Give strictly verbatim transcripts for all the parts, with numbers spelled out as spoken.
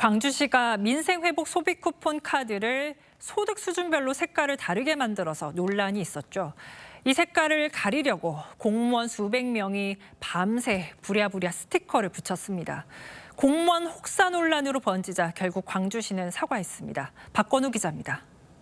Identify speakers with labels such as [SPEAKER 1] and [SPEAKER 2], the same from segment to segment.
[SPEAKER 1] 광주시가 민생회복 소비 쿠폰 카드를 소득 수준별로 색깔을 다르게 만들어서 논란이 있었죠. 이 색깔을 가리려고 공무원 수백 명이 밤새 부랴부랴 스티커를 붙였습니다. 공무원 혹사 논란으로 번지자 결국 광주시는 사과했습니다. 박건우 기자입니다.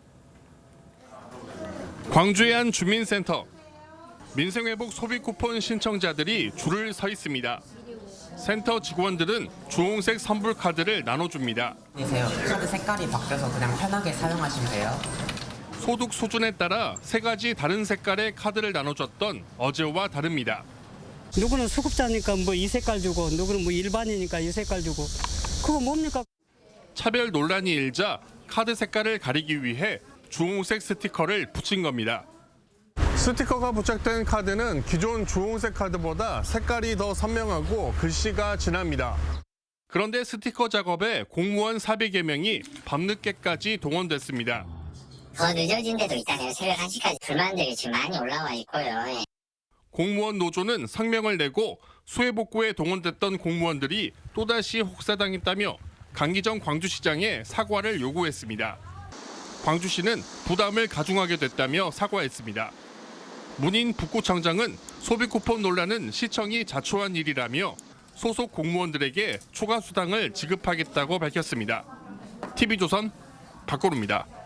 [SPEAKER 2] 광주의 한 주민센터. 민생회복 소비 쿠폰 신청자들이 줄을 서 있습니다. 센터 직원들은 주홍색 선불 카드를 나눠줍니다.
[SPEAKER 3] 안녕하세요. 카드 색깔이 바뀌어서 그냥 편하게 사용하시면 돼요.
[SPEAKER 2] 소득 수준에 따라 세 가지 다른 색깔의 카드를 나눠줬던 어제와 다릅니다.
[SPEAKER 4] 누구는 수급자니까 뭐 이 색깔 주고 누구는 뭐 일반이니까 이 색깔 주고 그거 뭡니까?
[SPEAKER 2] 차별 논란이 일자 카드 색깔을 가리기 위해 주홍색 스티커를 붙인 겁니다. 스티커가 부착된 카드는 기존 주홍색 카드보다 색깔이 더 선명하고 글씨가 진합니다. 그런데 스티커 작업에 공무원 사백여 명이 밤늦게까지 동원됐습니다.
[SPEAKER 5] 더 늦어진 데도 있다네요. 새벽 한 시까지 불만들이 지금 많이 올라와 있고요. 예.
[SPEAKER 2] 공무원 노조는 성명을 내고 수해복구에 동원됐던 공무원들이 또다시 혹사당했다며 강기정 광주시장에 사과를 요구했습니다. 광주시는 부담을 가중하게 됐다며 사과했습니다. 문인 북구청장은 소비쿠폰 논란은 시청이 자초한 일이라며 소속 공무원들에게 초과 수당을 지급하겠다고 밝혔습니다. 티비조선 박건우입니다.